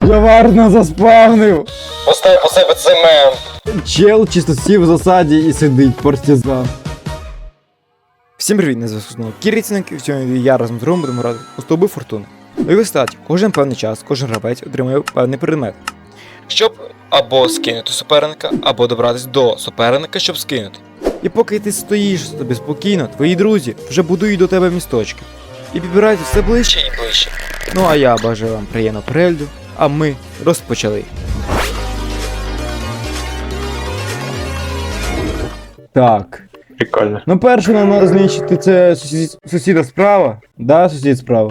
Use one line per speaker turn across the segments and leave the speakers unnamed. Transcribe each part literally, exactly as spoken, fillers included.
Я варно заспавнив!
Постав по себе цемент.
Чел чисто сів в засаді і сидить, партизан. Всім привіт, на зв'язку знову Кіріцінник, і сьогодні я разом з другом будемо грати у Стовби Фортуни. Ну і ви статі, кожен певний час, кожен гравець отримує певний предмет.
Щоб або скинути суперника, або добратись до суперника, щоб скинути.
І поки ти стоїш собі спокійно, твої друзі вже будують до тебе місточки. І підбирають все ближче.
Ще і ближче.
Ну а я бажаю вам приємного перегляду, а ми розпочали. Так.
Прикольно.
Ну перше нам треба знищити це сусід, сусіда справа. Да, сусід справа.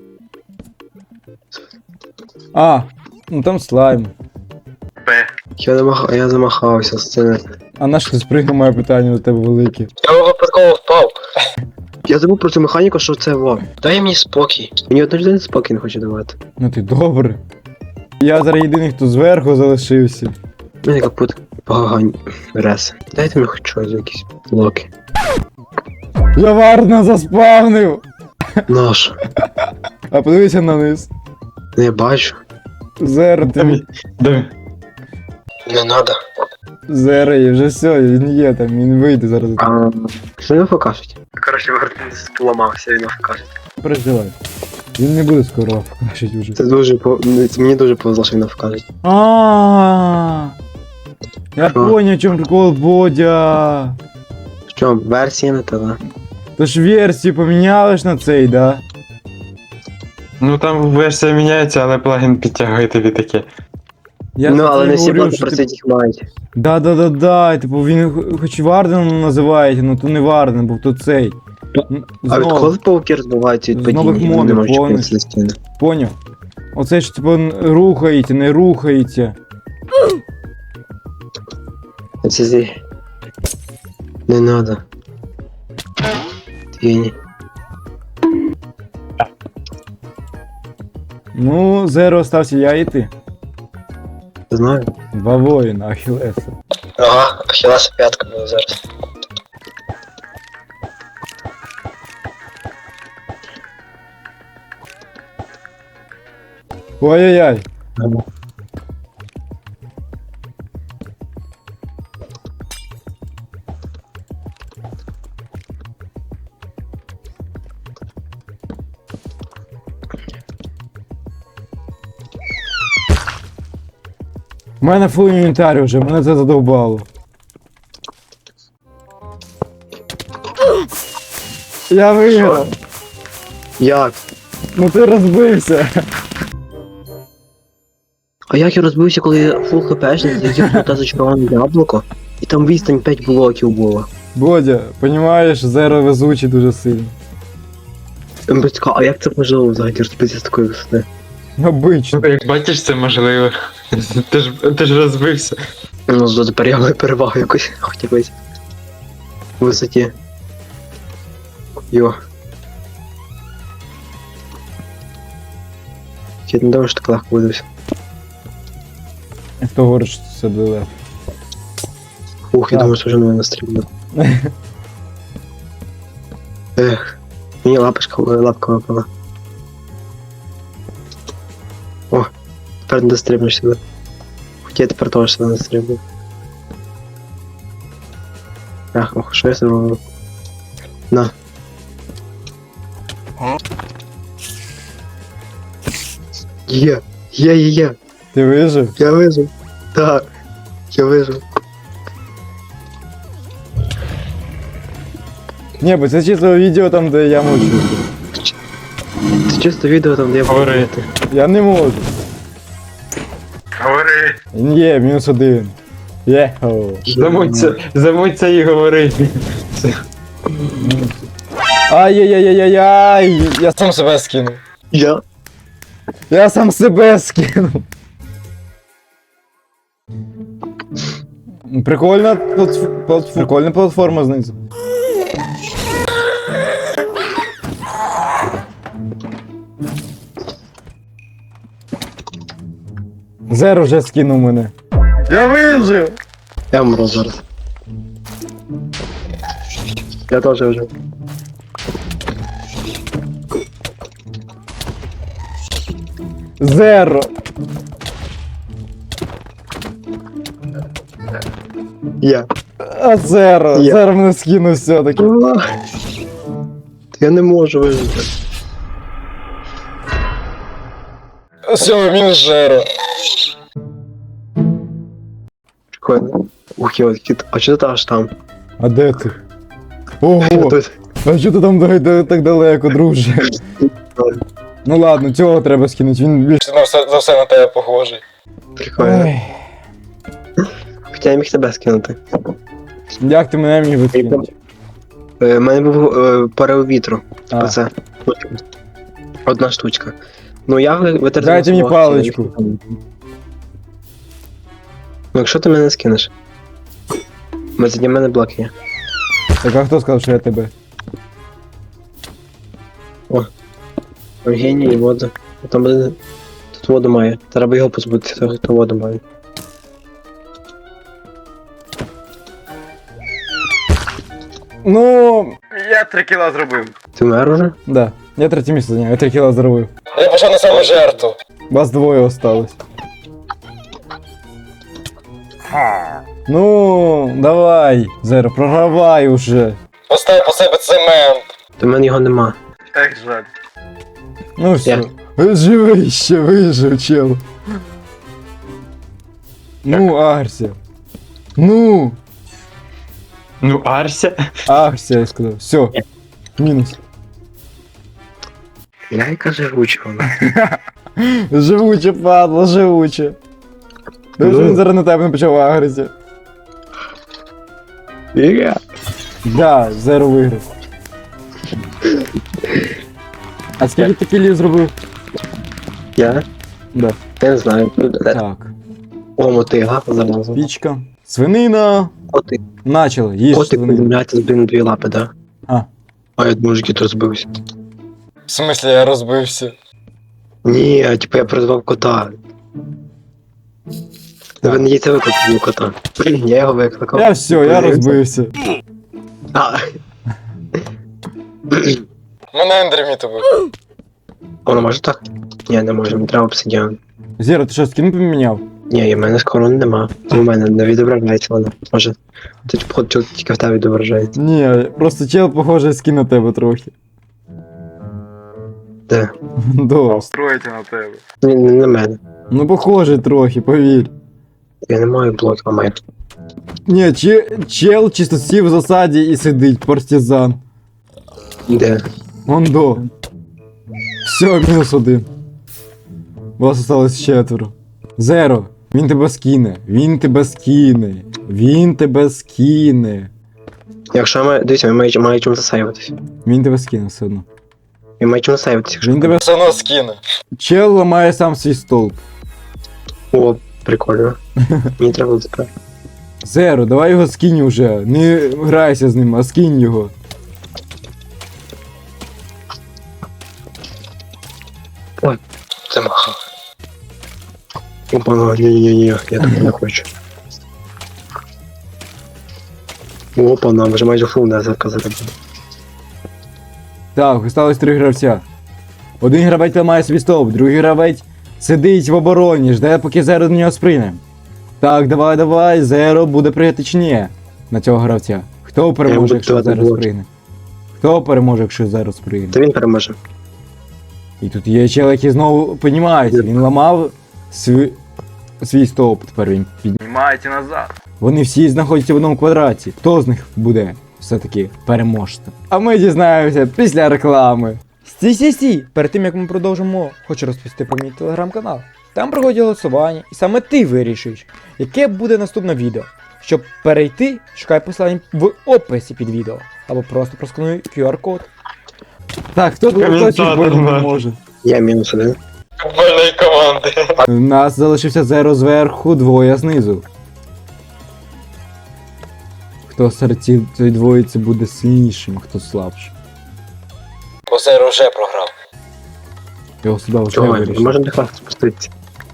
А, ну там слайм.
Я, замах... я замахався з цими.
А наш ти спригнув, моє питання до тебе велике.
Я випадково впав.
Я забув про цю механіку, що це во. Дай мені спокій. Мені одна людина спокій не хоче давати.
Ну ти добре. Я зараз єдиний, хто зверху залишився.
У мене капут погань. Рес. Дайте мені хоч щось, якісь блоки.
Я варно заспавнив!
Наш.
А подивися на низ.
Не бачу.
Зеро, ти
Давай.
Не надо.
зеро є, вже все, він є там, він вийде зараз.
А, що не покажуть? Коротше, вертинець поламався, він покаже.
Переживай. Він не буде скоро покажуть уже.
Це дуже по... Мені дуже повезло, що він покажуть.
А, я
Що?
поняв, в чому прикол Бодя.
Що, версія не та, да?
То ж версію поміняли ж на цей, да?
Ну там версія міняється, але плагін підтягує тобі таке.
Я
ну,
за
але
це
не всі
говорю,
блоки
що
про
ти-
це їх мають.
Да-да-да-да, типу він х- хоч і Варденом називають, ну то не Варден, був то цей. М,
А від
Знов,
коли пауки розбиваються від
З нових
падіння, вони
модів,
не можуть
повністю.
чіпитися на стіни.
поняв? Оце ж типу н- рухаєте, не рухаєте.
Це зі... Не надо. Твіні.
Ну, зеро остався я і ти.
Знаю.
Два воїна, Ахілеса.
Ага, Ахілеса п'ятка буде зараз.
Ой-ой-ой. У мене фул інвентарі вже, мене це задовбало. Я виграв.
Як?
Ну ти розбився.
А як я розбився, коли я фул хпшник, залетів туди зачароване яблуко, і там відстань п'ять блоків було.
Бодя, понімаєш, зеро везучий дуже сильно.
МБЦК, а як це можливо взагалі розбитися з такої висоти?
Обично.
Ну, як бачиш, це можливо. Ти ж, ти ж розбився.
Ну, зато тепер я маю перевагу якусь, хоч якось. У висоті. Йо. Я не думаю, що так легко буде все.
Хто говорить, що це буде легко?
Ух, я
Так.
думаю, що вже на мене стрільно. Ех, мені лапочка, лапка випала. О, тепер не дострибнеш сюди. Хоча я тепер теж сюди не дострибну. Ах, ох, що я зробив? На. Є, є, є, є,
Ти вижив?
я вижив. Так, я вижив.
Ні, бо це чисто відео там, де я мучу.
Це чисто відео там, де я
Говори.
буду.
Я не можу.
Говори.
Є, мінус один. Єхо.
Замуться, замуться і говори.
Ай-яй-яй-яй-яй! Я,
Сам себе скинув.
Я?
я сам себе скинув. Прикольна, платф- платф- прикольна платформа знизу. Зеро вже скинув мене. Я вижив!
Я вмру зараз. Я теж вже.
Зеро.
Я.
А Зеро,
Є.
Зеро мене скинув все-таки.
Я не можу вижити.
Все, мінус Жеро.
Прикольно. Ух, я от кіт. А чого ти аж там?
А де ти?
Я
Ого,
тут.
а що ти там да- да- так далеко, друже? Ну ладно, цього треба скинути, він більш.
На все, за все на тебе похожий.
Прикольно.
Ой,
Хоча я міг тебе скинути.
як ти мене міг відкинути?
У мене був е, порив вітру.
А.
Оце. Одна штучка. Ну я ви- витратив.
Дайте мені
свого
паличку.
актива. Ну якщо ти мене скинеш. Бо за мене блок є.
Так а хто сказав, що я тебе?
Евгеній і воду. Там буде. Тут воду має. Треба його позбутися, того, хто воду має.
Ну, я три кіла зробив.
Ти вмер уже?
Да, я третє місце зайняв, я три кіла зробив.
Я пішов на саму жертву.
Вас двоє осталось. Ну, давай, Зеро, програвай уже.
Постав по себе цемент.
До мене його нема.
Так жаль.
Ну все.
Я.
Живий ще, вижив, чел. Ну, агрся. Ну,
Ну, Арся.
агрся, я сказав. Все. Мінус.
Яйка живуча вона.
Живуче, падла, живуче. Ти
Ну.
ж він зараз на тебе не почав агритися.
Я.
Да, Зеро виграв. А скільки ти кілів зробив?
Я?
Да.
Я не знаю.
Так.
О, мотига, залазу.
Пічка. Свинина.
Котик.
Начало, їж
Котик
свинину.
подивляється з блін дві лапи, да?
А.
А я думаю, що кіт розбився.
В смислі я розбився.
Ні, а типу я призвав кота. Ви не їдете викликати кота. Я його викликав.
Я все, я розбився.
А,
Мене ендерміт убив.
воно може так? Ні, не може, мені треба обсидіан.
Зеро, ти що, скін поміняв?
Ні, і в мене скоро нема. У мене не відображається воно. Може. Ти походу тільки в тебе відображається.
Ні, просто чел похожий скін на тебе трохи.
Де?
До.
Строїте на тебе.
Ні, не на мене.
Ну похожий трохи, повір.
Я не маю блоків, а маю.
Ні, че, чел чисто сів в засаді і сидить, партизан.
Де?
Вон до. Все, мінус один. Вас осталось четверо. Зеро, він тебе скине, він тебе скине, він тебе скине.
Якщо я маю. Дивіться, я маю, маю чим засейвитись.
Він тебе скине все одно.
Я маю чим засейвитись, якщо.
Він тебе...
Все одно скине.
Чел ламає сам свій столб.
О, прикольно. Мені треба тепер.
Зеро, давай його скинь уже. Не грайся з ним, а скинь його.
Це махав. Опа, ну, ні-ні-ні, я так не хочу. Опа, нам вже майже фул не заказати.
Так, осталось три гравця. Один гравець ламає свій стовп, другий гравець сидить в обороні, жде, поки Зеро до нього сприйне. Так, давай, давай, Зеро буде прийти чи ні на цього гравця. Хто переможе,
буду
якщо
давати
Зеро
блоки.
сприйне? Хто переможе, якщо Зеро сприйне?
Та він переможе.
І тут є чел, який знову піднімається. Він ламав свій, свій стовп, тепер він піднімається назад. Вони всі знаходяться в одному квадраті. Хто з них буде все-таки переможцем? А ми дізнаємося після реклами. Стій, стій, стій! Перед тим як ми продовжимо, хочу розповісти про мій телеграм-канал. Там проходять голосування, і саме ти вирішуєш, яке буде наступне відео. Щоб перейти, шукай посилання в описі під відео. Або просто проскануй ку ар код. Так, хто тут
Коментатор
точно не
наш.
може?
Я мінус один.
Футбольної команди.
У нас залишився Зеро зверху, двоє знизу. Хто серед ці- цієї двоїці буде сильнішим, а хто слабшим.
Бо Зеро вже програв.
Його сюди вже
Чого? Ми
вирішив.
можемо до хватить спуститися.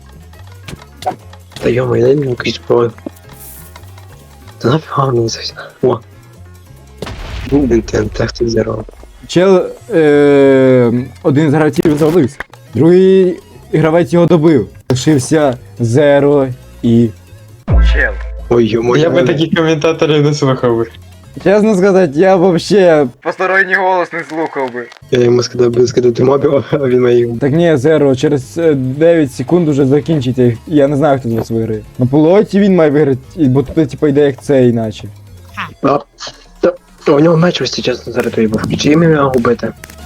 Та йома, я не якийсь про. Та нафіга мені це все. О. Блін, ти антехти зірвав.
Чел е, один з гравців завалився. Другий гравець його добив. Лишився Зеро і.
Чел.
Ой, йому.
Я би такі коментаторів не слухав би.
Чесно сказати, я вообще посторонній голос не слухав би.
Я йому сказав би скидати мобів, а він має.
Так ні, Зеро, через е, дев'ять секунд уже закінчиться. Я не знаю, хто з вас виграє. На полуоті він має виграти, і- бо тут типа йде як це іначе.
А, та, у нього меч ось чесно зараз той був. Чи їм його губити?